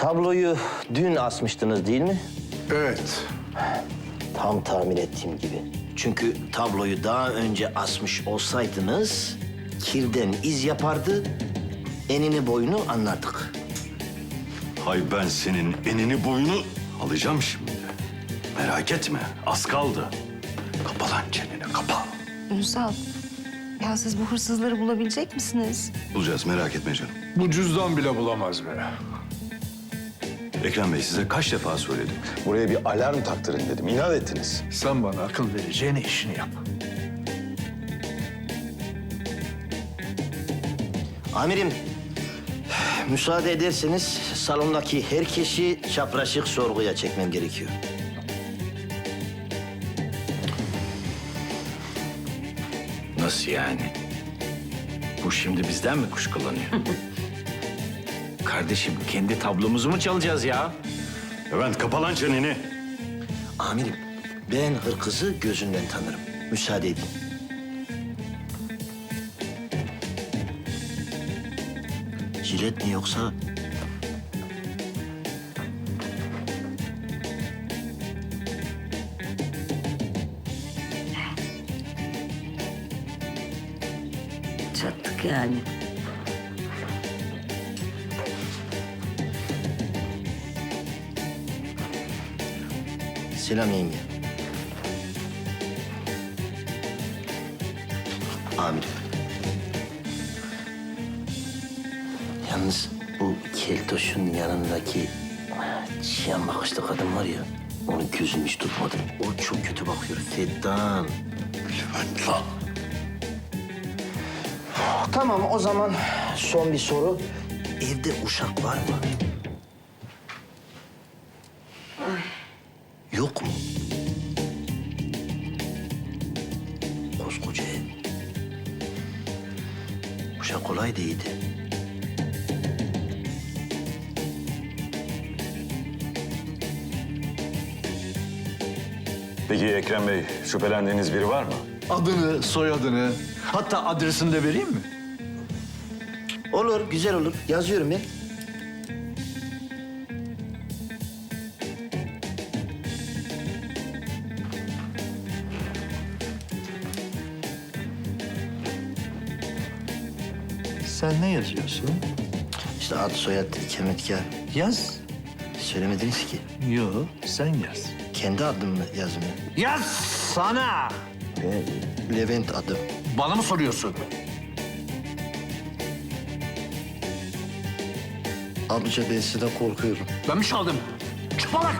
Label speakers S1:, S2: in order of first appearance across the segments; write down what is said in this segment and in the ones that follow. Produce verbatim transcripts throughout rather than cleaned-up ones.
S1: Tabloyu dün asmıştınız değil mi?
S2: Evet.
S1: Tam tahmin ettiğim gibi. Çünkü tabloyu daha önce asmış olsaydınız kirden iz yapardı, enini boyunu anlardık.
S3: Hay ben senin enini boyunu alacağım şimdi. Merak etme, az kaldı. Kapa lan çeneni, kapa.
S4: Ünsal, ya siz bu hırsızları bulabilecek misiniz?
S3: Bulacağız, merak etme canım.
S2: Bu cüzdan bile bulamaz be.
S3: Ekrem Bey size kaç defa söyledim?
S5: Buraya bir alarm taktırın dedim. İnat ettiniz.
S2: Sen bana akıl vereceğine işini yap.
S1: Amirim, müsaade ederseniz salondaki herkesi çapraşık sorguya çekmem gerekiyor.
S6: Nasıl yani? Bu şimdi bizden mi kuşkulanıyor? Kardeşim kendi tablomuzu mu çalacağız ya?
S3: Levent kapa lan çeneni.
S1: Amirim, ben hırkızı gözünden tanırım. Müsaade edin. Jilet mi yoksa?
S7: Çattık yani.
S1: Selam yenge. Amirim. Yalnız bu keltoşun yanındaki çiyan bakışlı kadın var ya, onun gözünü hiç tutmadım. O çok kötü bakıyor. Feddan.
S3: Levent lan.
S1: Tamam, o zaman son bir soru. Evde uşak var mı? Yok mu? Koskoca ev. Uşak kolay değildi.
S5: Peki Ekrem Bey, şüphelendiğiniz biri var mı?
S2: Adını, soyadını, hatta adresini de vereyim mi?
S1: Olur, güzel olur. Yazıyorum ben.
S2: Sen ne yazıyorsun?
S1: İşte ad, soyad, ikametgah.
S2: Yaz.
S1: Söylemediniz ki.
S2: Yo, sen yaz.
S1: Kendi adımı yazmıyor.
S2: Yaz sana!
S1: Ben Levent adım.
S2: Bana mı soruyorsun?
S1: Amca ben sizden korkuyorum.
S2: Ben mi çaldım? Çıplak!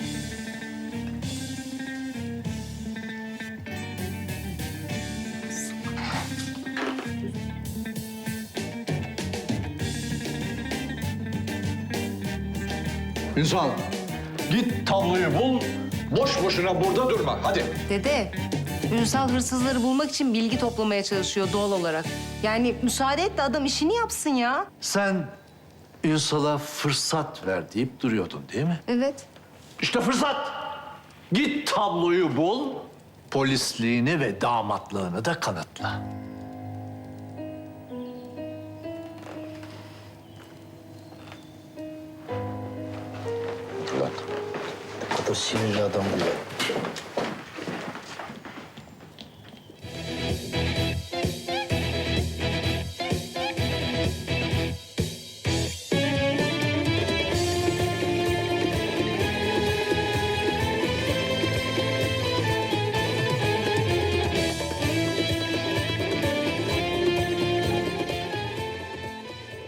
S2: Ünsal, git tabloyu bul. Boş boşuna burada durma. Hadi.
S4: Dede, Ünsal hırsızları bulmak için bilgi toplamaya çalışıyor doğal olarak. Yani müsaade et de adam işini yapsın ya.
S2: Sen Ünsal'a fırsat ver deyip duruyordun değil mi?
S4: Evet.
S2: İşte fırsat. Git tabloyu bul. Polisliğini ve damatlığını da kanıtla.
S1: Ulan, ne kadar sinirli adam bu ya.